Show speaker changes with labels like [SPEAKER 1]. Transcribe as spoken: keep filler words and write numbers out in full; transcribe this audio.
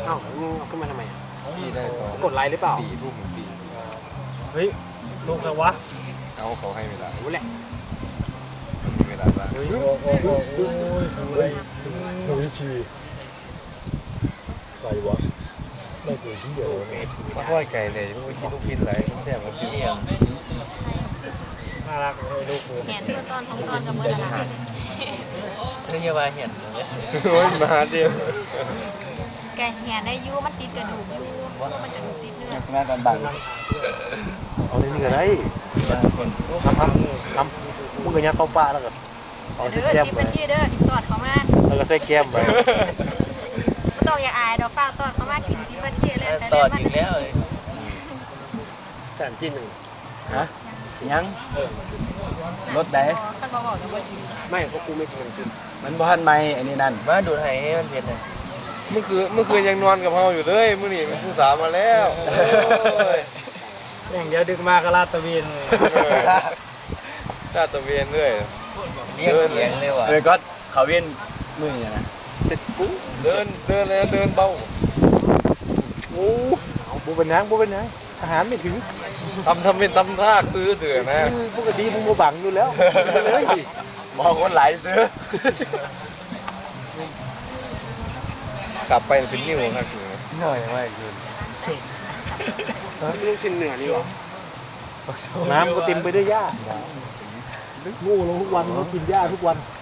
[SPEAKER 1] อ้าวมึงเอาขึ้นมาทำไม
[SPEAKER 2] ขี่ได้ตอน
[SPEAKER 1] กดไลค์หรือเปล่า
[SPEAKER 2] สี่ทุ่มปี
[SPEAKER 3] เฮ้ยลูกใครวะ
[SPEAKER 2] เอาเขาให้เวลา
[SPEAKER 1] รู้แหละ
[SPEAKER 2] มีเวลาบ้าง
[SPEAKER 3] โอ้โหโอ้โหโอ้ยทำอะไรหนูชีใครวะไม่เคยที่เดียว
[SPEAKER 2] มาค่อยไก่เลยไม่กินลูกชิ้นไหลต้องแซ่บมากินเอง
[SPEAKER 3] น่ารักเลยลูกกู
[SPEAKER 4] เห็นตัวตอนของตอนกับเมื่อไหร่
[SPEAKER 5] นี่ยังมาเห็น
[SPEAKER 2] โอ้ยมาเดียว
[SPEAKER 4] แกเห็นได้ยูมันติดกระดูกยูมันกระดูกติดเนื้อ
[SPEAKER 5] หน้ากันบัง
[SPEAKER 1] เอาในนี่ก็ได้ทำทำทำมึงก็ยัดเข้าปลาแล้วก็เอาใส่
[SPEAKER 4] เด้อ
[SPEAKER 1] แก้ม
[SPEAKER 4] สิบ
[SPEAKER 1] ไป
[SPEAKER 4] นาทีเด้อตอดเขามา
[SPEAKER 1] แล้วก็ใส่แก้มไป
[SPEAKER 4] ไม่ต้องอย่าอายดอกฟ้าตอดเขามากินสิบนาทีเลยแต่
[SPEAKER 5] ตอ
[SPEAKER 4] ได้
[SPEAKER 5] ด
[SPEAKER 4] มัน
[SPEAKER 5] อีกแล้ว
[SPEAKER 1] แสนจีนหนึ่ง
[SPEAKER 5] ฮะยังรถไหน
[SPEAKER 4] ท่านบอกบอกจะบ่กิน
[SPEAKER 1] ไม่เพราะกูไม่เคยกิน
[SPEAKER 5] มันบ้านไม่อันนี้นั่นมาดูให้ให้มันเห็นเลย
[SPEAKER 2] เมื่อคืนเมื่อคืนยังนอนกับเฮาอยู่เลยมื้อนี้เป็นผู้สาวมาแล้วโอ้ย
[SPEAKER 3] อย่างเดียวดึกมากก็ลาดตะเวนเลย
[SPEAKER 2] ชาตะเวียนด้วย
[SPEAKER 5] เลี้ยงเลี้ยงเลยว่ะเลยก็เขาเวียนมือเนี่ยนะ
[SPEAKER 1] เจ็ดกู
[SPEAKER 2] เดินเดินเลยเดินเบา
[SPEAKER 1] โอ้เอาบูเป็นยังบูเป็นยังอาหารไม่ถึง
[SPEAKER 2] ทำทำเป็นทำท่าตื้อเถื่อนะ
[SPEAKER 1] ปกติมึงมาบังอยู่แล้วไปเลย
[SPEAKER 5] มองคนหลายซื้อก
[SPEAKER 2] ลับไปเป็นนิ้วครับคือ
[SPEAKER 5] หน่อยไม่คืน
[SPEAKER 1] ลูกชิ้นเหนือนี่หรอน้ำก็เต็มไปด้วยหญ้างูลงทุกวันก็กินหญ้าทุกวัน